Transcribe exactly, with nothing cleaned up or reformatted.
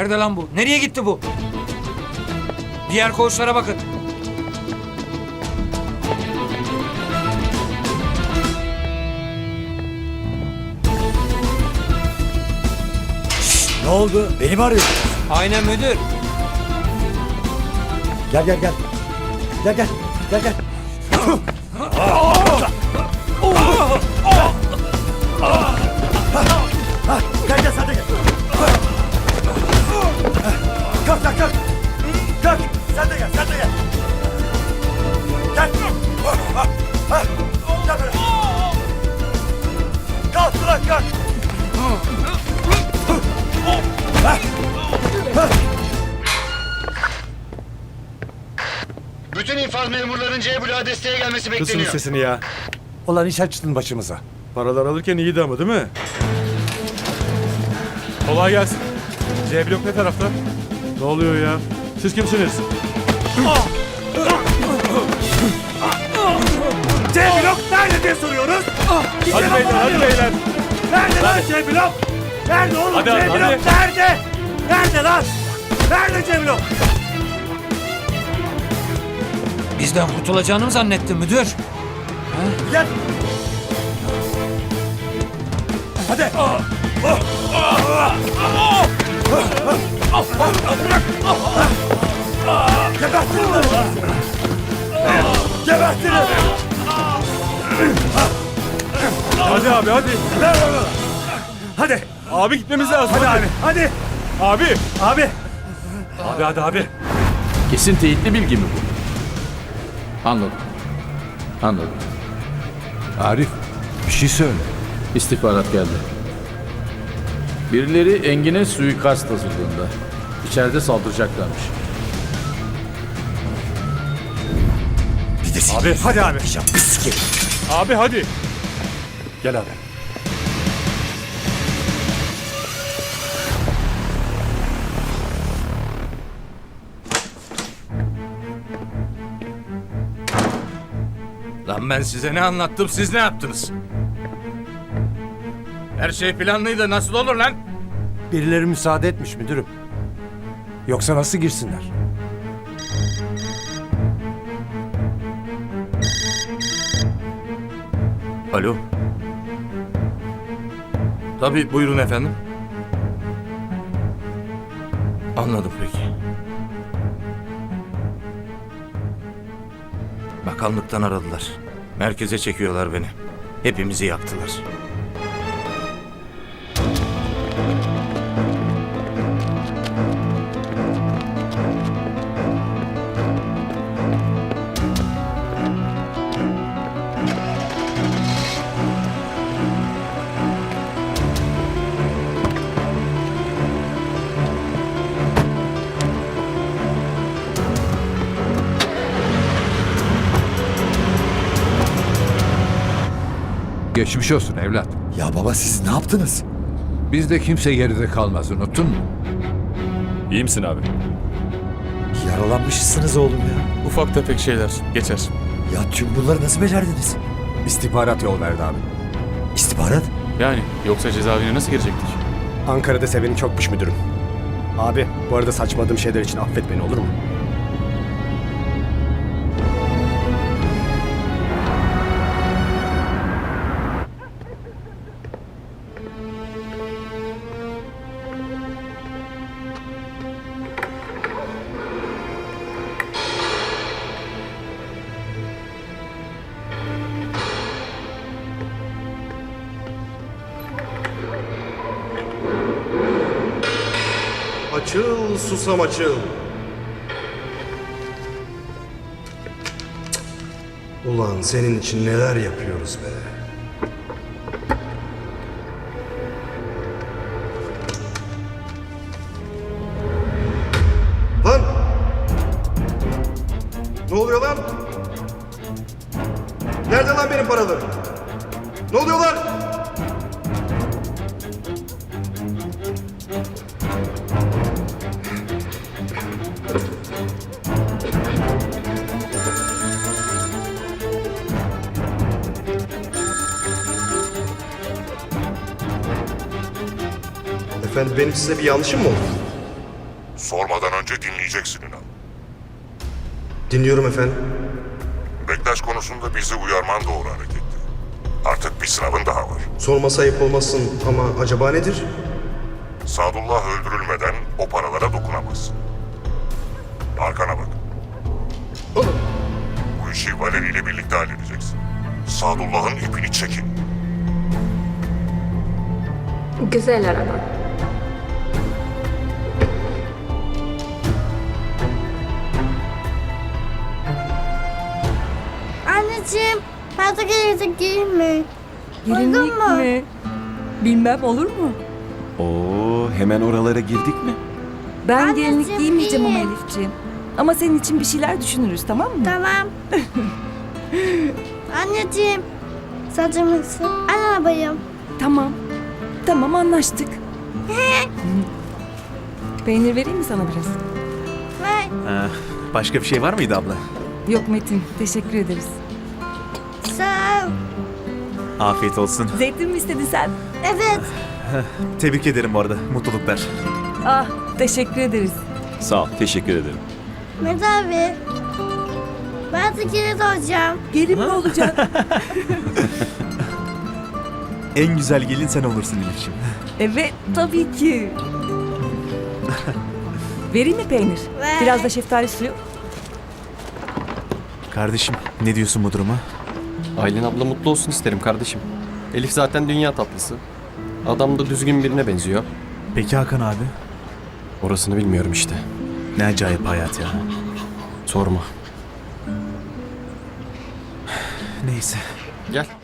Nerede lan bu? Nereye gitti bu? Diğer koğuşlara bakın. Ne oldu? Beni mi arıyorsun? Aynen müdür. Gel gel gel. Gel gel. Gel gel. Ha, gel gel sen de gel. Kalk kalk kalk. Kalk. Sen de gel sen de gel. Gel. Ha, gel böyle. Kalk ulan kalk. Bütün infaz memurların C bloğa desteğe gelmesi Kısın bekleniyor. sesini ya. Ulan iş açtın başımıza. Paralar alırken iyiydi ama değil mi? Kolay gelsin. C blok ne tarafta? Ne oluyor ya? Siz kimsiniz? C blok nerede diye soruyoruz. Hadi beyler, hadi beyler. Nerede lan C blok? Nerede oğlum Hadi, C hadi, blok? hadi. Nerede? Nerede lan? Nerede C blok? Bizden kurtulacağını mı zannettin müdür? Gel. Hadi. Gebertin onları. Gebertin. Hadi abi, hadi. Hadi. Abi gitmemiz lazım. Hadi abi. Hadi. Abi. Abi. Abi hadi abi. Kesin teyitli bilgi mi bu? Anladım. Anladım. Arif, bir şey söyle. İstihbarat geldi. Birileri Engin'e suikast hazırlığında. İçeride saldıracaklarmış. Bir de seni Abi. hadi abi. Pis Abi hadi. Gel abi. Lan ben size ne anlattım, siz ne yaptınız? Her şey planlıydı, nasıl olur lan? Birileri müsaade etmiş müdürüm. Yoksa nasıl girsinler? Alo. Tabii, buyurun efendim. Anladım peki. Bakanlıktan aradılar. Merkeze çekiyorlar beni. Hepimizi yaktılar. Geçmiş olsun evlat. Ya baba siz ne yaptınız? Bizde kimse geride kalmaz, unuttun mu? İyi misin abi? Yaralanmışsınız oğlum ya. Ufak tefek şeyler. Geçer. Ya tüm bunları nasıl becerdiniz? İstihbarat yol verdi abi. İstihbarat? Yani yoksa cezaevine nasıl girecektik? Ankara'da seveni çokmuş müdürüm. Abi bu arada saçmaladığım şeyler için affet beni olur mu? Açıl susam açıl. Ulan senin için neler yapıyoruz be. Lan! Ne oluyor lan? Nerede lan benim paralarım? Ne oluyor lan? Efendim benim size bir yanlışım mı oldu? Sormadan önce dinleyeceksin inan. Dinliyorum efendim. Bektaş konusunda bizi uyarman doğru hareketti. Artık bir sınavın daha var. Sorması ayıp olmasın ama acaba nedir? Sadullah öldürülmeden o paralara dokunamazsın. Arkana bak. Bu işi Valeri ile birlikte halledeceksin. Sadullah'ın ipini çekin. Güzel araba. Anneciğim, fazla gelecek giyinme. Gelinlik mi? Bilmem olur mu? Oo, hemen oralara girdik mi? Ben Anneciğim, gelinlik giymeyeceğim ama iyi. Elifciğim. Ama senin için bir şeyler düşünürüz, tamam mı? Tamam. Anneciğim, saçımı sil. Al arabayı. Tamam. Tamam, anlaştık. Peynir vereyim mi sana biraz? Ver. Başka bir şey var mıydı abla? Yok Metin, teşekkür ederiz. Sağ ol. Afiyet olsun. Zeytin mi istedin sen? Evet. Tebrik ederim bu arada. Mutluluklar. Ah, teşekkür ederiz. Sağ ol. Teşekkür ederim. Mehmet abi. Ben de kilit olacağım. Gelin mi olacak? En güzel gelin sen olursun Elif'ciğim. Evet, tabii ki. Vereyim mi peynir? Ver. Biraz da şeftali suyu. Kardeşim ne diyorsun bu duruma? Aylin abla mutlu olsun isterim kardeşim. Elif zaten dünya tatlısı. Adam da düzgün birine benziyor. Peki Hakan abi? Orasını bilmiyorum işte. Ne acayip hayat ya. Sorma. Neyse. Gel.